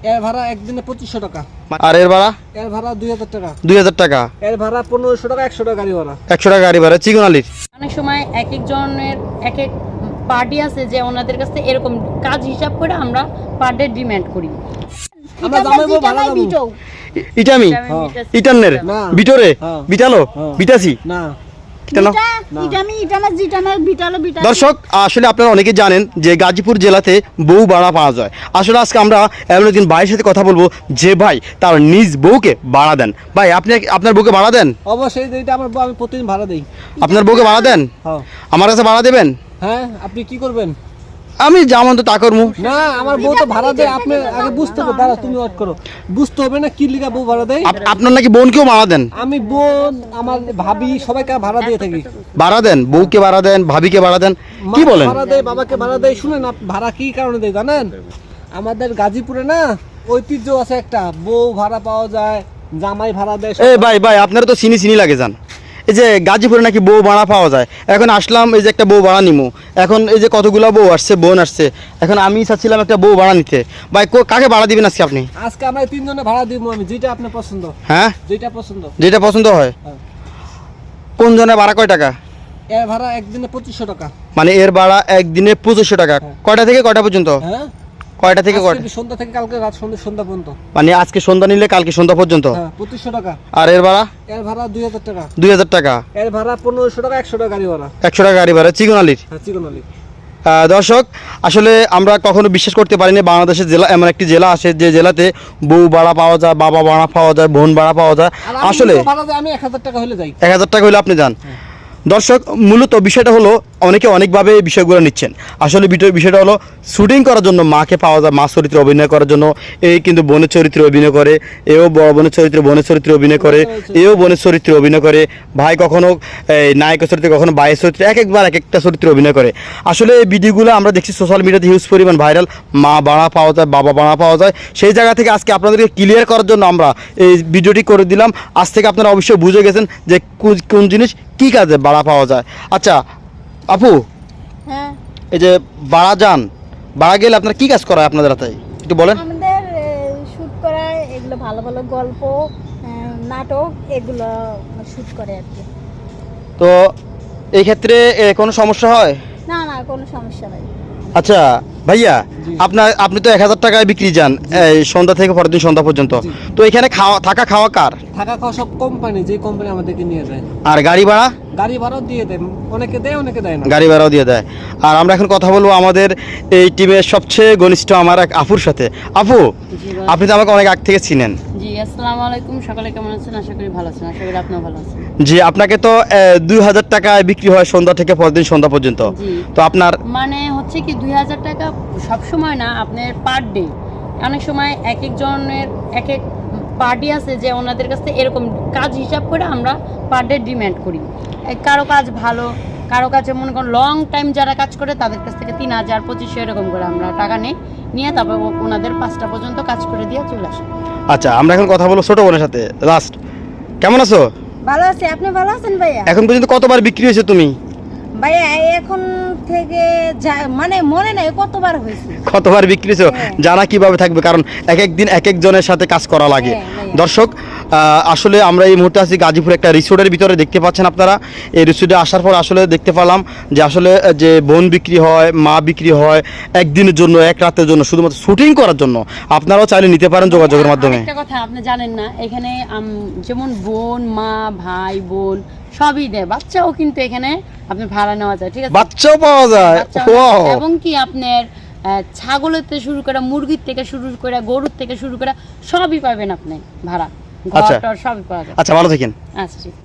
এর ভাড়া একদিনে 2500 টাকা। আর এর ভাড়া? এর ভাড়া 2000 টাকা। 2000 টাকা। এর ভাড়া 1500 টাকা, 100 টাকা গাড়ি ভাড়া। 100 টাকা গাড়ি ভাড়া। চিকনালির অনেক সময় এক একজনের এক এক পার্টি আছে যে ওনাদের কাছে এরকম কাজ হিসাব করে আমরা পার ডে ডিমান্ড করি। আমরা জামাইবো ভাড়া দেব। ইটামি ইটানের না। ভিতরে হ্যাঁ। বিটালো হ্যাঁ। বিটাছি না কেন? দর্শক আসলে আপনারা অনেকে জানেন যে গাজীপুর জেলাতে বউ ভাড়া পাওয়া যায়। আসলে আজকে আমরা এমন একদিন ভাইয়ের সাথে কথা বলবো যে ভাই তার নিজ বউকে ভাড়া দেন। ভাই আপনি আপনার বউকে ভাড়া দেন? অবশ্যই, এইটা আমার বউ, আমি প্রতিদিন ভাড়া দেই। আপনার বউকে ভাড়া দেন? হ্যাঁ। আমার কাছে ভাড়া দেবেন? হ্যাঁ, আপনি কি করবেন? আমি যেমন তো তা করবো। না, আমার বউ তো ভাড়া দেয়। আপনি আগে বুঝতে হবে, দাঁড়া তুমি ওয়েট করো, বুঝতে হবে না কি লিগা বউ ভাড়া দেয়। আপনার নাকি বোনকেও ভাড়া দেন? আমি বোন, আমার ভাবি সবাইকে ভাড়া দিয়ে থাকি। ভাড়া দেন? বউকে ভাড়া দেন, ভাবিকে ভাড়া দেন, কি মাকে বলেন? ভাড়া দেয়, বাবাকে ভাড়া দেয়। শুনেন, ভাড়া কি কারণে দেয় জানেন? আমাদের গাজীপুরে না ঐতিহ্য আছে একটা, বউ ভাড়া পাওয়া যায়, জামাই ভাড়া দেয়। এই ভাই ভাই আপনারা তো চিনি লাগে যান। এই যে গাজীপুরে নাকি বউ ভাড়া পাওয়া যায়, এখন আসলাম এই যে একটা বউ ভাড়া নিমু। এখন এই যে কতগুলো বউ আসছে, বোন আসছে, এখন আমি চাচ্ছিলাম একটা বউ ভাড়া নিতে। ভাই কাকে ভাড়া দিবেন আজকে আপনি? আজকে আমরা 3 জনে ভাড়া দিব, আমি যেটা আপনার পছন্দ। হ্যাঁ, যেটা পছন্দ। যেটা পছন্দ হয়। হ্যাঁ। কোন জনের ভাড়া কয় টাকা? এর ভাড়া একদিনে 2500 টাকা। মানে এর ভাড়া একদিনে 2500 টাকা। হ্যাঁ। কয়টা থেকে কয়টা পর্যন্ত? হ্যাঁ, কয়টা থেকে কয়টা? আজকে সন্ধ্যা থেকে কালকে রাত সন্ধ্যা পর্যন্ত। মানে আজকে সন্ধ্যা নিলে কালকে সন্ধ্যা পর্যন্ত। হ্যাঁ, 2500 টাকা। আর এর ভাড়া? এর ভাড়া 2000 টাকা। 2000 টাকা। এর ভাড়া 1500 টাকা, 100 টাকা গাড়ি ভাড়া। 100 টাকা গাড়ি ভাড়া। চিকনালির। হ্যাঁ, চিকনালি। দর্শক আসলে আমরা কখনো বিশ্বাস করতে পারিনি বাংলাদেশের জেলা এমন একটি জেলা আসে যে জেলাতে বউ ভাড়া পাওয়া যায়, বাবা ভাড়া পাওয়া যায়, বোন ভাড়া পাওয়া যায়। আর আমি আসলে ভাড়া দেয়, আমি 1000 টাকা হলে যাই। 1000 টাকা হলে আপনি যান। দর্শক মূলত বিষয়টা হলো অনেকে অনেকভাবে এই বিষয়গুলো নিচ্ছেন। আসলে বিষয়টা হলো শুটিং করার জন্য মাকে পাওয়া যায়, মা চরিত্রে অভিনয় করার জন্য। এই কিন্তু বোনের চরিত্রে অভিনয় করে, এও বড় বোনের চরিত্রে অভিনয় করে, এও বোনের চরিত্রে অভিনয় করে। ভাই কখনো নায়কের চরিত্রে, কখনো ভাইয়ের চরিত্রে, এক একটা চরিত্রে অভিনয় করে। আসলে এই ভিডিওগুলো আমরা দেখছি সোশ্যাল মিডিয়াতে হিউজ পরিমাণ ভাইরাল। মা ভাড়া পাওয়া যায়, বাবা ভাড়া পাওয়া যায়। সেই জায়গা থেকে আজকে আপনাদেরকে ক্লিয়ার করার জন্য আমরা এই ভিডিওটি করে দিলাম। আজ থেকে আপনারা অবশ্যই বুঝে গেছেন যে কোন জিনিস কী কাজে ভাড়া পাওয়া যায়। আচ্ছা আপু, হ্যাঁ, এই যে ভাড়া যান, ভাড়া গেলে আপনার কি কাজ করা হয় আপনাদের হাতে একটু বলেন? আমাদের শুট করা এগুলো ভালো ভালো গল্প, নাটক এগুলো শুট করে আর কি। তো এই ক্ষেত্রে কোনো সমস্যা হয়? না না, কোনো সমস্যা নাই। আচ্ছা ভাইয়া, আপনি তো 1000 টাকায় বিক্রি যান এই সন্ধ্যা থেকে পরের দিন সন্ধ্যা পর্যন্ত। তো এখানে থাকা খাওয়া কার? থাকা খাওয়া সব কোম্পানি, যে কোম্পানি আমাদেরকে নিয়ে যায়। আর গাড়ি ভাড়া? গাড়ি ভাড়াও দিয়ে দেয়, অনেকে দেয় অনেকে দেয় না। গাড়ি ভাড়াও দিয়ে দেয়। আর আমরা এখন কথা বলবো আমাদের এই টিমের সবচেয়ে ঘনিষ্ঠ আমার এক আপুর সাথে। আপু, আপনি তো আমাকে অনেক আগ থেকে চিনেন। জি, আসসালামু আলাইকুম। সকালে কেমন আছেন? আশা করি ভালো আছেন। আশা করি আপনিও ভালো আছেন। জি, আপনাকে তো 2000 টাকায় বিক্রি হয় সন্ধ্যা থেকে পরের দিন সন্ধ্যা পর্যন্ত। জি। তো আপনার মানে হচ্ছে কি 2000 টাকা সব সময় না, আপনার পার ডে। অনেক সময় এক একজনের এক এক পার্টি আছে যে ওনাদের কাছে এরকম কাজ হিসাব করে আমরা পার ডে ডিমান্ড করি। কারো কাজ ভালো, কারো কাছে মনে করেন লং টাইম যারা কাজ করে তাদের কাছ থেকে 3000, 2500 এরকম করে আমরা টাকা নিয়ে তারপর ওনাদের 5টা পর্যন্ত কাজ করে দিয়ে চলে আসে। আচ্ছা, আমরা এখন কথা বলবো ছোট বোনের সাথে। লাস্ট, কেমন আছো? ভালো আছে, আপনি ভালো আছেন ভাইয়া? এখন পর্যন্ত কতবার বিক্রি হয়েছে তুমি? ভাইয়া এখন থেকে মানে মনে নাই কতবার হয়েছে। কতবার বিক্রি হয়েছে জানা কিভাবে থাকবে, কারণ এক একদিন এক একজনের সাথে কাজ করা লাগে। দর্শক আসলে আমরা এই মুহূর্তে আছি গাজীপুর একটা রিসোর্টের ভিতরে, দেখতে পাচ্ছেন আপনারা। এই রিসোর্টে আসার পর আসলে দেখতে পেলাম যে আসলে যে বোন বিক্রি হয়, মা বিক্রি হয় একদিনের জন্য, এক রাতের জন্য, শুধুমাত্র শুটিং করার জন্য। আপনারাও চাইলে নিতে পারেন যোগাযোগের মাধ্যমে। একটা কথা আপনি জানেন না, এখানে যেমন বোন, মা, ভাই, বোন সবই দেয়, বাচ্চাও কিন্তু এখানে আপনি ভাড়া নেওয়া যায়। ঠিক আছে, বাচ্চাও পাওয়া যায়। এবং কি আপনার ছাগলের থেকে শুরু করে, মুরগির থেকে শুরু করে, গরুর থেকে শুরু করে সবই পাবেন আপনি ভাড়া। ঘর টর সবই পাওয়া যায়। আচ্ছা, ভালো থাকেন। আচ্ছা।